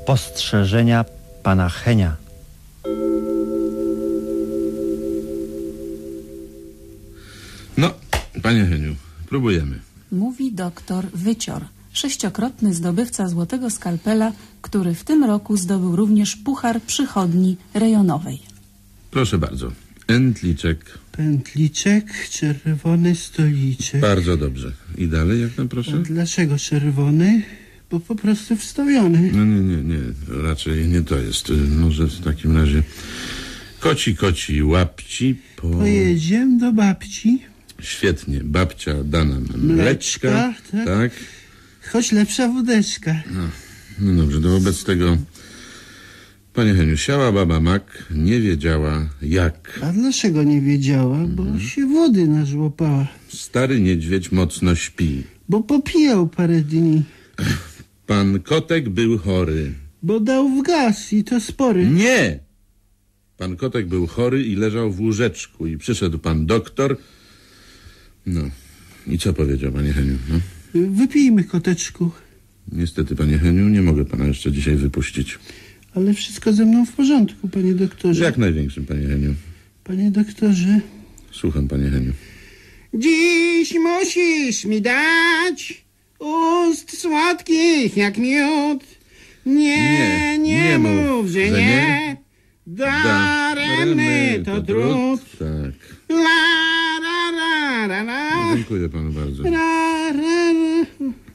spostrzeżenia pana Henia. No, panie Heniu, próbujemy. Mówi doktor Wycior, 6-krotny zdobywca złotego skalpela, który w tym roku zdobył również puchar przychodni rejonowej. Proszę bardzo. Entliczek. Pętliczek, czerwony stoliczek. Bardzo dobrze. I dalej, jak tam proszę? A dlaczego czerwony? Bo po prostu wstawiony. No nie. Raczej nie to jest. Może w takim razie koci łapci po... Pojedziemy do babci. Świetnie. Babcia da nam mleczka. Tak. Choć lepsza wódeczka. No dobrze, to wobec tego... Panie Heniu, siała baba mak, nie wiedziała jak. A dlaczego nie wiedziała? Bo się wody nażłopała. Stary niedźwiedź mocno śpi. Bo popijał parę dni. Pan kotek był chory. Bo dał w gaz i to spory. Nie! Pan kotek był chory i leżał w łóżeczku i przyszedł pan doktor. No, i co powiedział, panie Heniu? No? Wypijmy, koteczku. Niestety, panie Heniu, nie mogę pana jeszcze dzisiaj wypuścić. Ale wszystko ze mną w porządku, panie doktorze. Jak największym, panie Heniu. Panie doktorze. Słucham, panie Heniu. Dziś musisz mi dać ust słodkich jak miód. Nie mów, że nie. Daremny to trud. Tak. La, ra, ra, ra, ra. Dziękuję panu bardzo. Ra, ra, ra.